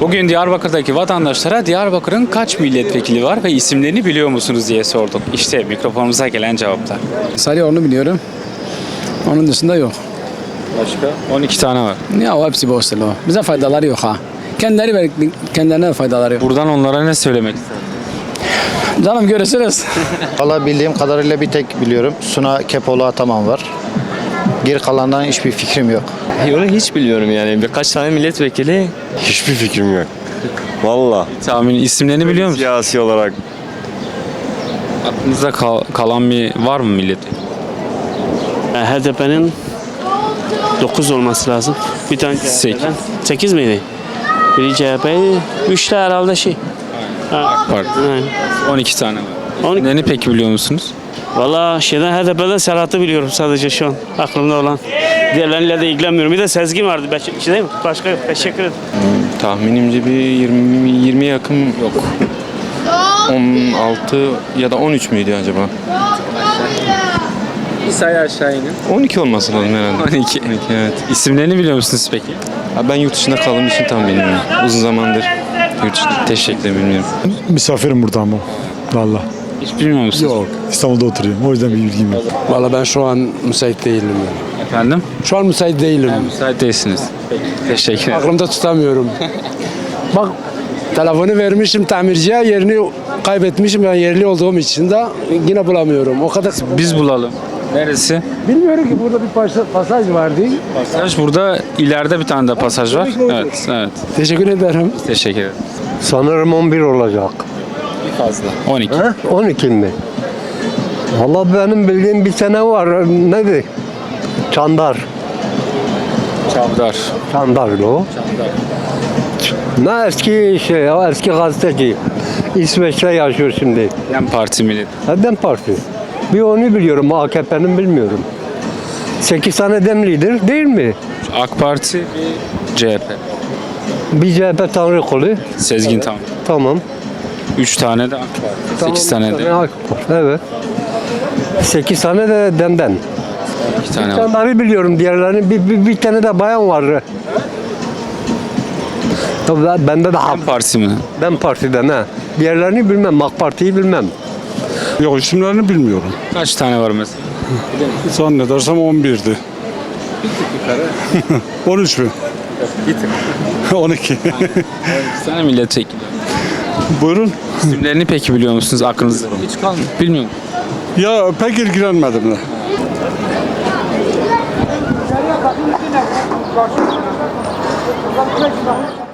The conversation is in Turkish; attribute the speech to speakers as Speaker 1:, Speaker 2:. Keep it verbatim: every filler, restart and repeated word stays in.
Speaker 1: Bugün Diyarbakır'daki vatandaşlara Diyarbakır'ın kaç milletvekili var ve isimlerini biliyor musunuz diye sorduk. İşte mikrofonumuza gelen cevaplar.
Speaker 2: Sarıyer'ini biliyorum. Onun dışında yok.
Speaker 1: Başka? on iki tane var.
Speaker 2: Ya o hepsi boştur o. Bize faydaları yok ha. Kendileri ver, kendilerine de faydaları yok.
Speaker 1: Buradan onlara ne söylemek istersiniz?
Speaker 2: Canım görüşürüz.
Speaker 3: Valla bildiğim kadarıyla bir tek biliyorum. Suna Kepoğlu Ataman var. Geri kalandan hiçbir fikrim yok.
Speaker 4: Onu hiç bilmiyorum yani. Birkaç tane milletvekili.
Speaker 5: Hiçbir fikrim yok. Valla.
Speaker 1: Tahmin isimlerini biliyor musunuz?
Speaker 5: Siyasi olarak.
Speaker 1: Aklınızda kal- kalan bir var mı milletvekili?
Speaker 6: H D P'nin dokuz olması lazım. Bir tane
Speaker 1: Sekiz.
Speaker 6: sekiz miydi? Biri C H P'ydi. üç de herhalde şey. Ha,
Speaker 1: Pardon.
Speaker 6: aynen.
Speaker 1: on iki tane var.
Speaker 6: on iki.
Speaker 1: İsimlerini peki biliyor musunuz?
Speaker 6: Valla şeyden H D P'den Serhat'ı biliyorum sadece şu an aklımda olan. Diğerleriyle de ilgilenmiyorum. Bir de Sezgin vardı. Beş, şey değil mi? Başka yok. Teşekkür ederim.
Speaker 5: Tahminimce bir yirmi, yirmiye yakın yok. on altı ya da on üç müydü acaba?
Speaker 1: Bir sayı aşağı inin.
Speaker 5: on iki olması lazım herhalde.
Speaker 1: on iki.
Speaker 5: on iki, evet.
Speaker 1: İsimlerini biliyor musunuz peki?
Speaker 5: Ha, ben yurt dışında kaldığım için tam bilmiyorum. Uzun zamandır yurt dışında teşekkür bilmiyorum.
Speaker 7: Misafirim burada ama. Valla.
Speaker 1: Hiç bilmiyor musunuz?
Speaker 7: Yok. İstanbul'da oturuyorum. O yüzden bir bilgim yok.
Speaker 2: Valla ben şu an müsait değilim. Yani.
Speaker 1: Efendim?
Speaker 2: Şu an müsait değilim.
Speaker 1: Müsait değilsiniz. Teşekkür ederim.
Speaker 2: Aklımda tutamıyorum. Bak telefonu vermişim tamirciye, yerini kaybetmişim. Yani yerli olduğum için de yine bulamıyorum. O kadar.
Speaker 1: Biz bulalım. Neresi?
Speaker 2: Bilmiyorum ki burada bir pasaj, pasaj vardı.
Speaker 1: Pasaj burada, ileride bir tane de pasaj var. Evet, evet.
Speaker 2: Teşekkür ederim.
Speaker 1: Teşekkür ederim.
Speaker 8: Sanırım on bir olacak.
Speaker 1: Fazla. on iki.
Speaker 8: He? on iki mi? Valla benim bildiğim bir sene var. Nedir? Çandar.
Speaker 1: Çavdar.
Speaker 8: Çandar'dı o. Ne eski şey ya, eski gazeteci. İsveç'te yaşıyor şimdi.
Speaker 1: Dem Parti millet.
Speaker 8: Dem Parti. Bir onu biliyorum, A K P'nin bilmiyorum. sekiz tane Demlidir değil mi?
Speaker 1: AK Parti, bir C H P.
Speaker 8: Bir C H P Tanrı kolu.
Speaker 1: Sezgin tam.
Speaker 8: Tamam.
Speaker 1: üç tane de AK Parti. sekiz
Speaker 8: Tamam,
Speaker 1: tane
Speaker 8: bir
Speaker 1: de.
Speaker 8: A K P. Evet. sekiz tane de Dem'den.
Speaker 1: iki tane var.
Speaker 8: Onları biliyorum, diğerlerini bir, bir, bir tane de bayan var. Tabii ben- bende de
Speaker 1: Dem Parti mi?
Speaker 8: ben partiden ha. Diğerlerini bilmem, AK Parti'yi bilmem.
Speaker 7: Yok isimlerini bilmiyorum.
Speaker 1: Kaç tane var mesela?
Speaker 7: Zannedersem on birdi. on üç mü? on iki.
Speaker 1: iki tane milletvekili.
Speaker 7: Buyurun.
Speaker 1: İsimlerini peki biliyor musunuz aklınızda? Hiç kalmıyor. Bilmiyorum.
Speaker 7: Ya pek ilgilenmedim de.